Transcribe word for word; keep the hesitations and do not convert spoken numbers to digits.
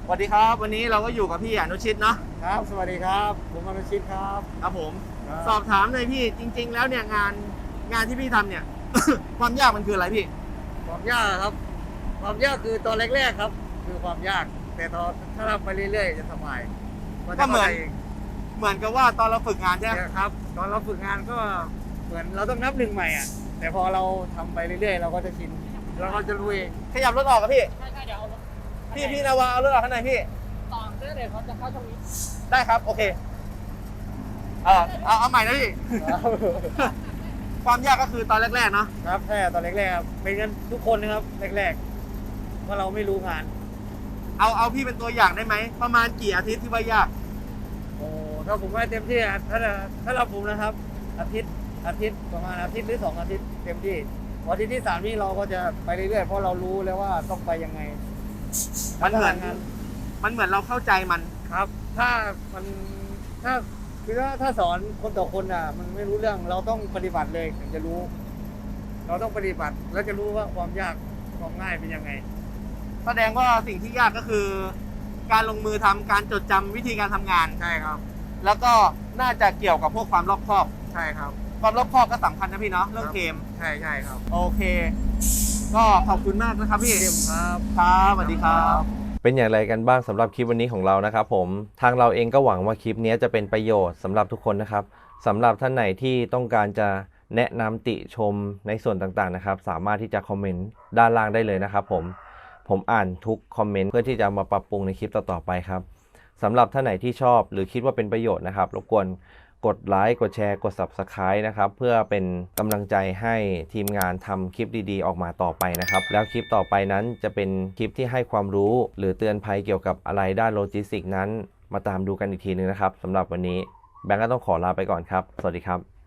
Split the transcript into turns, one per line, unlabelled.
สวัสดีครับวันนี้เราก็อยู่กับพี่อนุชิตเนาะ
ครับสวัสดีครับผมอนุชิตครับ
ครับผม
ครับ
สอบถามเลยพี่จริง ๆ แล้วเนี่ยงานงานที่พี่ทำเนี่ย ความยากมันคืออะไรพี่
ความยากครับความยากคือตอนแรกๆครับคือความยากแต่ตอนถ้าเราไปเรื่อยๆจะสบาย
ก็เหมือนเหมือนกับว่าตอนเราฝึกงานใช่ไหม
ครับตอนเราฝึกงานก็เหมือนเราต้องนับหนึ่งใหม่อ่ะแต่พอเราทำไปเรื่อยๆเราก็จะชินเราก็จะรู้เอง
ขยับรถออกกับพี่
ใช่ใช่เดี๋ยวเอารถ
พี่พี่นาวาเอารถออกข้างในพี่
ต่อเนื่องเลยเขาจะเข้าช่องนี้
ได้ครับโอเคเออเอาเอาใหม่นะพี่ ความยากก็คือตอนแรกๆเนาะ
ครับแค่ตอนแรกๆครับเป็นกันทุกคนนะครับแรกๆว่าเราไม่รู้งาน
เอาเอาพี่เป็นตัวอย่างได้ไหมประมาณกี่อาทิตย์ที่ว่ายาก
โอ้ถ้าผมว่าเต็มที่อะถ้าถ้าเราผมนะครับ อาทิตย์อาทิตย์ประมาณอาทิตย์หรือสองอาทิตย์เต็มที่พออาทิตย์ที่สามนี่เราก็จะไปเรื่อยๆเพราะเรารู้แล้วว่าต้องไปยังไง
มันเหมือน
งาน
มันเหมือนเราเข้าใจมัน
ครับ ถ้ามันถ้าคือถ้าถ้าสอนคนต่อคนอ่ะ มันไม่รู้เรื่องเราต้องปฏิบัติเลยถึงจะรู้ เราต้องปฏิบัติแล้วจะรู้ว่าความยากความง่ายเป็นยังไง
แสดงว่าสิ่งที่ยากก็คือ การลงมือทำการจดจำวิธีการทำงาน
ใช่ครับ
แล้วก็น่าจะเกี่ยวกับพวกความรอบคอบ
ใช่ครับ
ความรอบคอบก็สำคัญนะพี่เนาะเรื่องเกม
ใช่ใช่ครับ
โอเค ก็ขอบคุณมากนะครับพี่
เต็มครับ
ครับสวัสดีครับ
เป็นอย่างไรกันบ้างสำหรับคลิปวันนี้ของเรานะครับผมทางเราเองก็หวังว่าคลิปนี้จะเป็นประโยชน์สำหรับทุกคนนะครับสำหรับท่านไหนที่ต้องการจะแนะนำติชมในส่วนต่างๆนะครับสามารถที่จะคอมเมนต์ด้านล่างได้เลยนะครับผมผมอ่านทุกคอมเมนต์เพื่อที่จะมาปรับปรุงในคลิปต่อๆไปครับสำหรับท่านไหนที่ชอบหรือคิดว่าเป็นประโยชน์นะครับรบกวนกดไลค์กดแชร์กด ซับสไครบ์ นะครับเพื่อเป็นกำลังใจให้ทีมงานทำคลิปดีๆออกมาต่อไปนะครับแล้วคลิปต่อไปนั้นจะเป็นคลิปที่ให้ความรู้หรือเตือนภัยเกี่ยวกับอะไรด้านโลจิสติกส์นั้นมาตามดูกันอีกทีนึงนะครับสำหรับวันนี้แบงก์ก็ต้องขอลาไปก่อนครับสวัสดีครับ